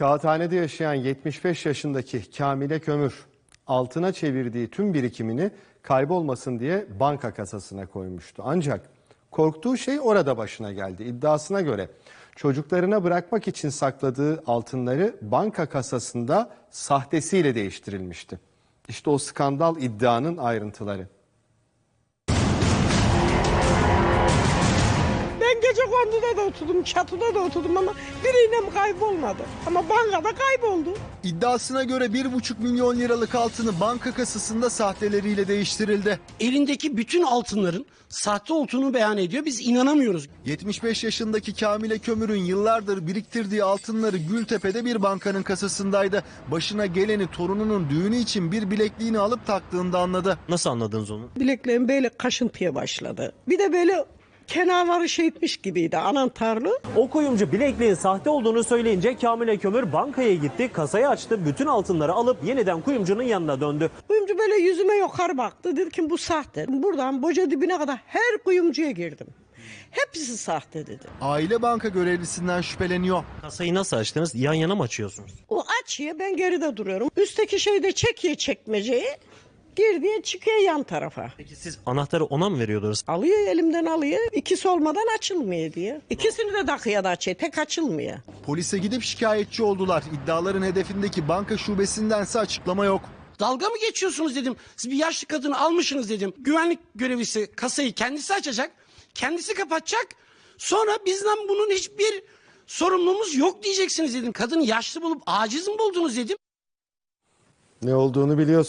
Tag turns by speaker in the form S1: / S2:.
S1: Kağıthane'de yaşayan 75 yaşındaki Kamile Kömür altına çevirdiği tüm birikimini kaybolmasın diye banka kasasına koymuştu. Ancak korktuğu şey orada başına geldi. İddiasına göre çocuklarına bırakmak için sakladığı altınları banka kasasında sahtesiyle değiştirilmişti. İşte o skandal iddianın ayrıntıları.
S2: Gece konduda da oturdum, çatıda da oturdum ama biriyle kaybolmadı. Ama bankada kayboldu.
S3: İddiasına göre 1,5 milyon liralık altını banka kasasında sahteleriyle değiştirildi.
S4: Elindeki bütün altınların sahte olduğunu beyan ediyor. Biz inanamıyoruz.
S3: 75 yaşındaki Kamile Kömür'ün yıllardır biriktirdiği altınları Gültepe'de bir bankanın kasasındaydı. Başına geleni torununun düğünü için bir bilekliğini alıp taktığında anladı.
S5: Nasıl anladınız onu?
S2: Bileklerim böyle kaşıntıya başladı. Bir de böyle kenarları şey etmiş gibiydi, anahtarlı.
S5: O kuyumcu bilekliğin sahte olduğunu söyleyince Kamile Kömür bankaya gitti, kasayı açtı, bütün altınları alıp yeniden kuyumcunun yanına döndü.
S2: Kuyumcu böyle yüzüme yukarı baktı. Dedi ki bu sahte. Buradan boca dibine kadar her kuyumcuya girdim. Hepsi sahte dedi.
S3: Aile banka görevlisinden şüpheleniyor.
S5: Kasayı nasıl açtınız? Yan yana mı açıyorsunuz?
S2: O açıyor, ben geride duruyorum. Üstteki şeyde çekiyor çekmeceyi. Girdiği çıkıyor yan tarafa.
S5: Peki siz anahtarı ona mı veriyordunuz?
S2: Alıyor, elimden alıyor. İkisi olmadan açılmıyor diye. İkisini de takıya da açıyor. Tek açılmıyor.
S3: Polise gidip şikayetçi oldular. İddiaların hedefindeki banka şubesindense açıklama yok.
S4: Dalga mı geçiyorsunuz dedim. Siz bir yaşlı kadını almışsınız dedim. Güvenlik görevlisi kasayı kendisi açacak. Kendisi kapatacak. Sonra bizden bunun hiçbir sorumluluğumuz yok diyeceksiniz dedim. Kadını yaşlı bulup aciz mi buldunuz dedim.
S1: Ne olduğunu biliyorsun.